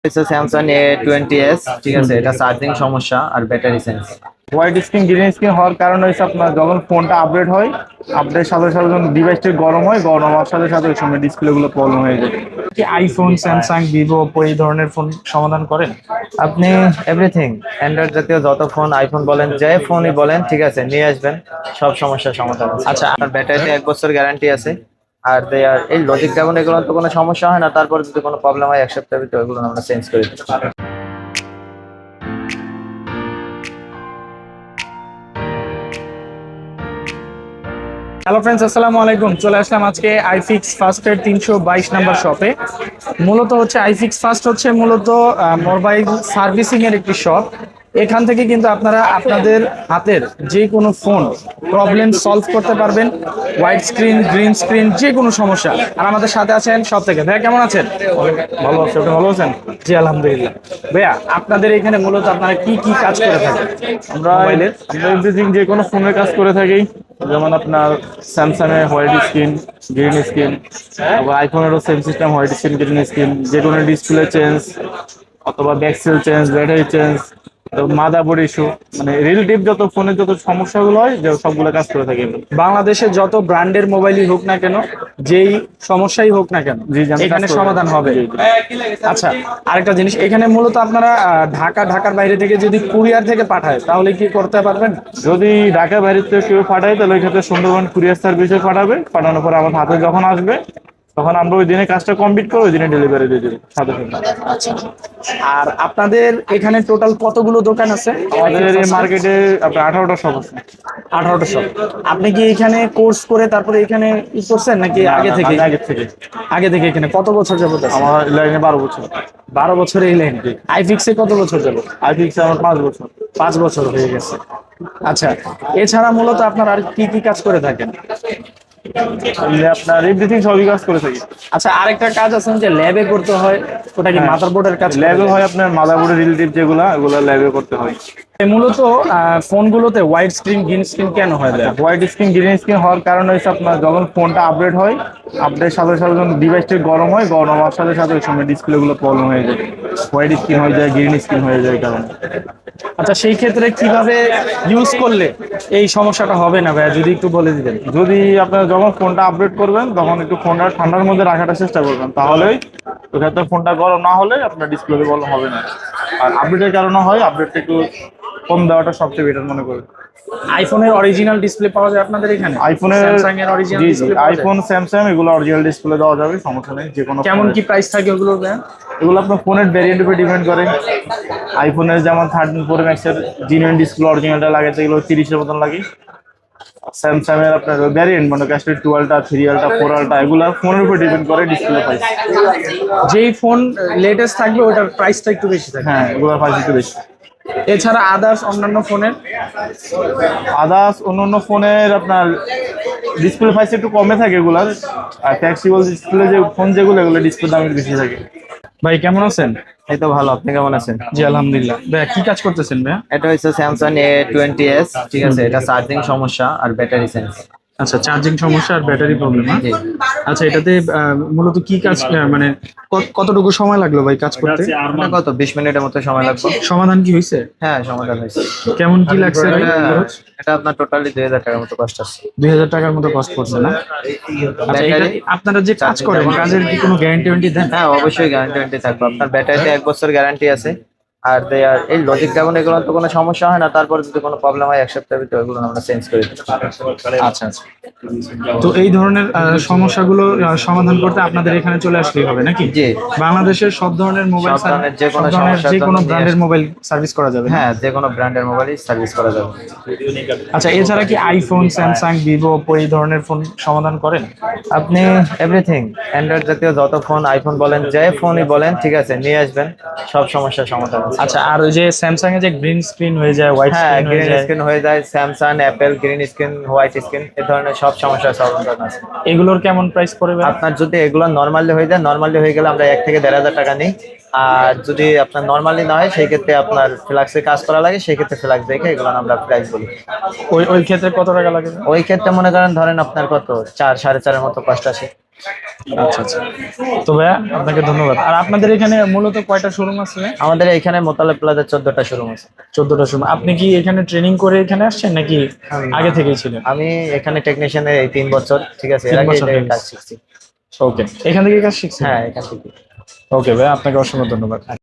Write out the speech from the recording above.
Samsung A20s, ঠিক আছে। এটা চার্জিং সমস্যা আর battery sense. White screen green screen হওয়ার কারণে হচ্ছে আপনার যখন ফোনটা আপডেট হয়, আপডেটের সাথে সাথে যখন ডিভাইসটি গরম হয়, গরম হওয়ার সাথে সাথে ওই সময় ডিসপ্লে গুলো প্রবলেম হয়ে যায়। কি আইফোন, স্যামসাং, ভিভো, ওপো এই ধরনের ফোন সমাধান করেন? আপনি এভরিথিং অ্যান্ড্রয়েড জাতীয় যত ফোন, আইফোন বলেন, যে ফোনই বলেন, ঠিক আছে, নিয়ে আসবেন, সব সমস্যার সমাধান আছে। আচ্ছা। আর ব্যাটারিতে 1 বছর গ্যারান্টি আছে। আর দেয়ার এই লজিক ড্রাগন এগুলো তো কোনো সমস্যা হয় না, তারপরে যদি কোনো প্রবলেম হয় 1 সপ্তাহের ভিতরে ওগুলো আমরা চেঞ্জ করে দিতে পারি। হ্যালো ফ্রেন্ডস, আসসালামু আলাইকুম। চলে আসলাম আজকে আইফিক্স ফার্স্টের 322 নাম্বার শপে। মূলত হচ্ছে আইফিক্স ফার্স্ট হচ্ছে মূলত মোবাইল সার্ভিসিং এর একটি শপ। এখান থেকে কিন্তু আপনারা আপনাদের হাতের যে কোনো ফোন প্রবলেম সলভ করতে পারবেন। হোয়াইট স্ক্রিন, গ্রিন স্ক্রিন, যে কোনো সমস্যা। আর আমাদের সাথে আছেন সব থেকে। ভাইয়া কেমন আছেন? ভালো আছে, আপনি ভালো আছেন? জি আলহামদুলিল্লাহ। ভাইয়া আপনাদের এখানে মূলত আপনারা কি কি কাজ করে থাকেন? আমরা মোবাইলের আমরা এভরিথিং যে কোনো ফোনের কাজ করে থাকি। যেমন আপনার স্যামসাং এর হোয়াইট স্ক্রিন গ্রিন স্ক্রিন, আবার আইফোনেরও same system, white screen green screen, যে কোনো ডিসপ্লে চেঞ্জ অথবা back shell change, battery change, motherboard issue, মানে রিলেটিভ যত ফোনের যত সমস্যাগুলো হয় যে সবগুলো কাজ করে থাকি আমরা। বাংলাদেশে যত ব্র্যান্ডের মোবাইলই হোক না কেন, যেই সমস্যাই হোক না কেন, জি, জি, আমি এখানে কাজ করি। সমাধান হবে। জি, জি। আচ্ছা, আরেকটা জিনিস, এখানে মূলত আপনারা ঢাকার বাইরে থেকে যদি কুরিয়ার থেকে পাঠায় তাহলে কি করতে পারবেন? যদি ঢাকা বাইরে থেকে কেউ পাঠায় তাহলে ওই ক্ষেত্রে সুন্দরবন কুরিয়ার সার্ভিসে পাঠাবে। পাঠানোর পর আমার হাতে যখন আসবে তখন আমরা ওই দিনে কাজটা কমপ্লিট করে ওই দিনে ডেলিভারি দিয়ে দেবো সাথে সাথে। আচ্ছা, আর আপনাদের এখানে টোটাল কতগুলো দোকান আছে? আমাদের এই মার্কেটে আপনার 18টা শপ আছে। 18টা শপ। আপনি কি এখানে কোর্স করে তারপরে এখানে ই করছেন নাকি আগে থেকে? আগে থেকে। আগে থেকে এখানে কত বছর যাবত আছে? আমার লাইনে 12 বছর। 12 বছর এই লাইন। আইফিক্সে কত বছর যাবত? আইফিক্স আমার 5 বছর। 5 বছর হয়ে গেছে। আচ্ছা, এছাড়া মূলত আপনার আর কি কি কাজ করে থাকেন? আপনার এভরিথিং সবই কাজ করে থাকি। আচ্ছা, আরেকটা কাজ আছে যে ল্যাবে করতে হয়, ওটা কি মাদারবোর্ডের কাজ? ল্যাবে হয় আপনার মাদারবোর্ডের রিলেটিভ যেগুলো ওগুলো ল্যাবে করতে হয়। মূলত ফোনগুলোতে হোয়াইট স্ক্রিন, গ্রিন স্ক্রিন কেন হয়? হোয়াইট স্ক্রিন গ্রিন স্ক্রিন হওয়ার কারণে হচ্ছে আপনার যখন ফোনটা আপডেট হয়, আপডেটের সাথে সাথে যখন ডিভাইসটি গরম হয়, গরম হওয়ার সাথে সাথে ওই সময় ডিসপ্লে গুলো প্রবলেম হয়ে যায়, হোয়াইট স্ক্রিন হয়ে যায়, গ্রিন স্ক্রিন হয়ে যায় কারণ। আচ্ছা, সেই ক্ষেত্রে কিভাবে ইউজ করলে এই সমস্যাটা হবে না ভাইয়া, যদি একটু বলে দিতেন। যদি আপনার যখন ফোনটা আপডেট করবেন তখন একটু ফোনটা ঠান্ডার মধ্যে রাখার চেষ্টা করবেন, তাহলেই ওই ক্ষেত্রে ফোনটা গরম না হলে আপনার ডিসপ্লে প্রবলেম হবে না। আর আপডেটের কারণে হয়, আপডেটটা একটু কম দেওয়াটা সবচেয়ে বেটার মনে করি। আইফোনের অরিজিনাল ডিসপ্লে পাওয়া যায় আপনাদের এখানে? আইফোনের স্যামসাং এর অরিজিনাল ডিসপ্লে পাওয়া যায়? আইফোন স্যামসাং এগুলো অরিজিনাল ডিসপ্লে দেওয়া যাবে, সমস্যা নেই। যে কোনো কেমন কি প্রাইস থাকে ওগুলো ভাইয়া? এগুলো আপনার ফোনের ভ্যারিয়েন্ট উপর ডিপেন্ড করে। আইফোনের যেমন 13 প্রো ম্যাক্সের জিনুইন ডিসপ্লে অরিজিনালটা লাগে, এগুলো 30-এর মতন লাগে। স্যামসাং এর আপনার ভ্যারিয়েন্ট মানে ক্যাশটি 12টা, 3 আলটা, 4 আলটা, এগুলো ফোনের উপর ডিপেন্ড করে ডিসপ্লে প্রাইস। যেই ফোন লেটেস্ট থাকবে ওটার প্রাইসটা একটু বেশি থাকে। হ্যাঁ, এগুলোর প্রাইস একটু বেশি। এছাড়া আদার্স অন্যান্য ফোনের? আদার্স অন্য ফোনের আপনার ডিসপ্লে প্রাইস একটু কমে থাকে এগুলার। আর ফ্লেক্সিবল ডিসপ্লে যে ফোন যেগুলো, এগুলো ডিসপ্লে দাম একটু বেশি থাকে। ভাই কেমন আছেন? এই তো ভালো, আপনি কেমন আছেন? জি আলহামদুলিল্লাহ। ভাইয়া কি কাজ করতেছেন ভাইয়া? এটা হচ্ছে স্যামসাং A20s, ঠিক আছে। এটা চার্জিং সমস্যা আর ব্যাটারি সেন্স। আচ্ছা, চার্জিং সমস্যা আর ব্যাটারি প্রবলেম। জি। আচ্ছা, এটাতে মূলত কি কাজ, মানে কতটুকু সময় লাগলো ভাই কাজ করতে? আপনার কত 20 মিনিটের মতো সময় লাগবে। সমাধান কি হয়েছে? হ্যাঁ, সমাধান হয়েছে। কেমন কি লাগছে ভাই খরচ? এটা আপনার টোটালি 2000 টাকার মতো কষ্ট আসছে। 2000 টাকার মতো কস্ট পড়ছে না? আচ্ছা, এটা ব্যাটারি, আপনারা যে কাজ করেন, কাজের কি কোনো গ্যারান্টি দেন? হ্যাঁ অবশ্যই গ্যারান্টি থাকবে। আপনার ব্যাটারিতে 1 বছর গ্যারান্টি আছে। আর দেয়ার এই লজিক ড্রাগন এগুলো তো কোনো সমস্যা হয় না, তারপরে যদি কোনো প্রবলেম হয় 1 সপ্তাহের ভিতরে ওগুলো আমরা চেঞ্জ করে দিতে পারি। আচ্ছা আচ্ছা। তো এই ধরনের সমস্যাগুলো সমাধান করতে আপনাদের এখানে চলে আসলেই হবে নাকি? জি। বাংলাদেশের সব ধরনের মোবাইল, সব ধরনের যে কোনো সমস্যার যে কোনো জন্য ব্র্যান্ডের মোবাইল সার্ভিস করা যাবে? হ্যাঁ, যে কোনো ব্র্যান্ডের মোবাইলই সার্ভিস করা যাবে। আচ্ছা, এছাড়া কি আইফোন, স্যামসাং, ভিভো, ওপো এই ধরনের ফোন সমাধান করেন? আপনি এভরিথিং অ্যান্ড্রয়েড জাতীয় যত ফোন, আইফোন বলেন, যে ফোনই বলেন, ঠিক আছে, নিয়ে আসবেন, সব সমস্যার সমাধান আছে। আচ্ছা, আর ওই যে স্যামসাং এ যে গ্রিন স্ক্রিন হয়ে যায়, হোয়াইট হ্যাঁ, স্ক্রিন হয়ে গ্রিন যায়, স্ক্রিন হয়ে যায়, Samsung, Apple, green screen, white screen, এই ধরনের সব সমস্যার সমাধান আছে। এগুলোর কেমন প্রাইস পড়বে? আপনার যদি এগুলো নর্মালি হয়ে যায়, নর্মালি হয়ে গেলে আমরা 1 থেকে 1,500 টাকা নিই। আর যদি আপনার নর্মালি না হয়, সেই ক্ষেত্রে আপনার ফ্লাক্সে কাজ করা লাগে, সেই ক্ষেত্রে ফ্লাক্স দেখে এগুলো আমরা প্রাইস বলি। ওই ওই ক্ষেত্রে কত টাকা লাগে? ওই ক্ষেত্রে মনে করেন, ধরেন আপনার কত 4-4.5 মতো কষ্ট আসে। আচ্ছা আচ্ছা। তো ভাইয়া আপনাকে ধন্যবাদ। আর আপনাদের এখানে মূলত কয়টা শোরুম আছে? আমাদের এখানে মোতালেব প্লাজা 14টা শোরুম আছে। 14টা শোরুম। আপনি কি এখানে ট্রেনিং করে এখানে আসছেন নাকি আগে থেকেই ছিলেন? আমি এখানে টেকনিশিয়ানের এই 3 বছর, ঠিক আছে, এর 3 আগে বছর হয়ে কাজ গেছে। শিখছি। ওকে, এখান থেকে কাজ শিখছেন? হ্যাঁ, এখান থেকে। ওকে ভাই, আপনাকে অসংখ্য ধন্যবাদ।